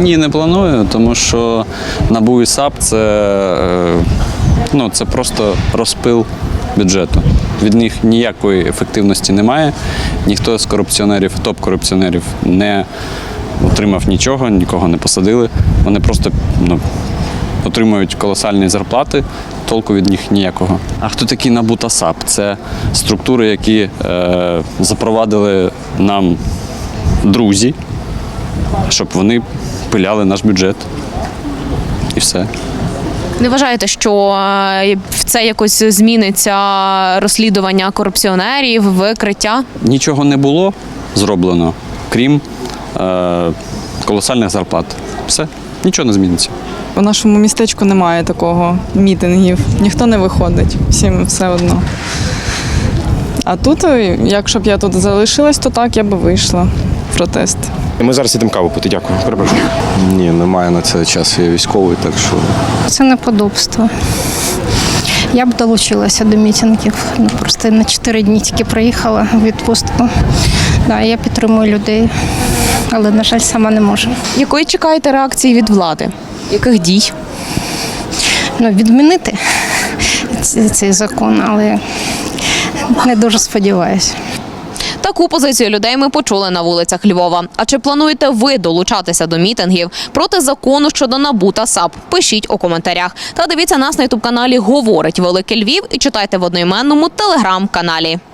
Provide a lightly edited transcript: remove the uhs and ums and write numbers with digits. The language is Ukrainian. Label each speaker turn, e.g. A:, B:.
A: Ні, не планую, тому що НАБУ і САП – це просто розпил бюджету. Від них ніякої ефективності немає. Ніхто з корупціонерів, топ-корупціонерів не отримав нічого, нікого не посадили. Вони просто отримують колосальні зарплати, толку від них ніякого. А хто такі НАБУ та САП? Це структури, які запровадили нам друзі, щоб вони пиляли наш бюджет. І все.
B: Не вважаєте, що в це якось зміниться розслідування корупціонерів, викриття?
A: Нічого не було зроблено, крім колосальних зарплат. Все, нічого не зміниться.
C: У нашому містечку немає такого мітингів, ніхто не виходить, всім все одно. А тут, якщо б я тут залишилась, то так, я б вийшла в протест.
D: Ми зараз йдемо каву пити, дякую. Перепрошую.
E: Ні, немає на це часу, я військовий, так що…
F: Це неподобство. Я б долучилася до мітингів. Просто на 4 дні тільки приїхала в відпустку. Я підтримую людей, але, на жаль, сама не можу.
B: Якої чекаєте реакції від влади? Яких дій?
F: Відмінити цей закон, але не дуже сподіваюся.
B: Таку позицію людей ми почули на вулицях Львова. А чи плануєте ви долучатися до мітингів проти закону щодо НАБУ та САП? Пишіть у коментарях. Та дивіться нас на ютуб-каналі «Говорить Великий Львів» і читайте в одноіменному телеграм-каналі.